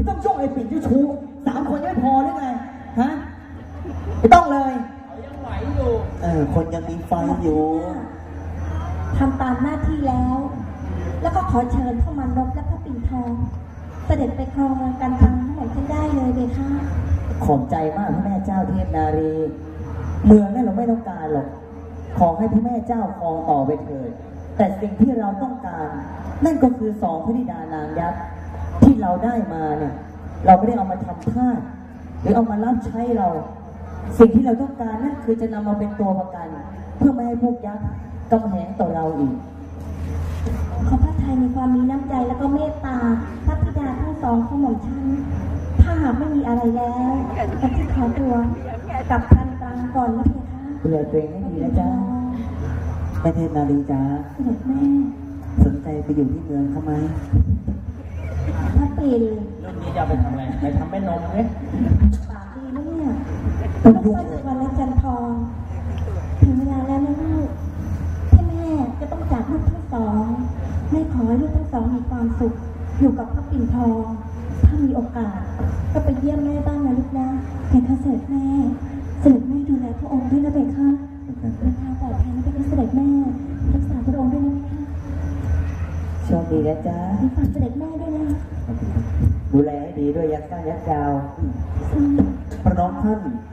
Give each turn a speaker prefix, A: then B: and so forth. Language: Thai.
A: ไม่ต้องช่วงไอ้ปิ่นเจ้าชู้3 คนยังไม่พอหรือไงฮะไม่ต้องเลยยังไหวอยู่คนยังมีไฟอยู่
B: ทำตามหน้าที่แล้วก็ขอเชิญพ่อมานพและพระปิ่นทองเสด็จไปครองการทางทั้งหมดขึ้นได้เลยเบค่ะ
A: ขอบใจมากพระแม่เจ้าเทพนารีเมืองนั่นเราไม่ต้องการหรอกขอให้พระแม่เจ้าครองต่อไปเถิดแต่สิ่งที่เราต้องการนั่นก็คือ2 พระธิดานางยักษ์ที่เราได้มาเนี่ยเราไม่ได้เอามาทำทาสหรือเอามารับใช้เราสิ่งที่เราต้องการนั่นคือจะนำมาเป็นตัวประกันเพื่อไม่ให้พวกยักษ์กำแหงต่อเราอีก
B: ขอพระไทยมีความมีน้ำใจแล้วก็เมตตาพระธิดาทั้ง2ของหม่อมฉันถ้าหากไม่มีอะไรแล้วก็จะขอตัวกลับทันตรังก่อนนะเพคะ
A: ดูแลตัวเองให้ดีนะจ๊ะแม่เทพนารีจ๊ะ
B: เสด็จแม่
A: สนใจไปอยู่ที่เมืองเขาไหม
B: พระปิ่น
C: รุ่นนี้จะไปทำอะไรไปทำแม่นมเนี่ย
B: ปากดีนะเนี่ยลูกสร้อยวันและจันทองถึงเวลาแล้วนะลูกที่แม่จะต้องจากลูกทั้ง2แม่ขอให้ลูกทั้ง2มีความสุขอยู่กับพระปิ่นทองถ้ามีโอกาสก็ไปเยี่ยมแม่บ้างนะลูกนะเพคะเสด็จแม่ดูแลพระองค์ด้วยนะเพคะเดินทางปลอดภัยนะเพคะเสด็จแม่รักษาพระองค์ด้วยนะเพคะ
A: โชคดีนะจ๊ะ
B: ฝากเสด็จแม่ด้วยนะ
A: ดูแลให้ดีด้วยยักษ์ก้ายักษ์ยาวพระน้องท่าน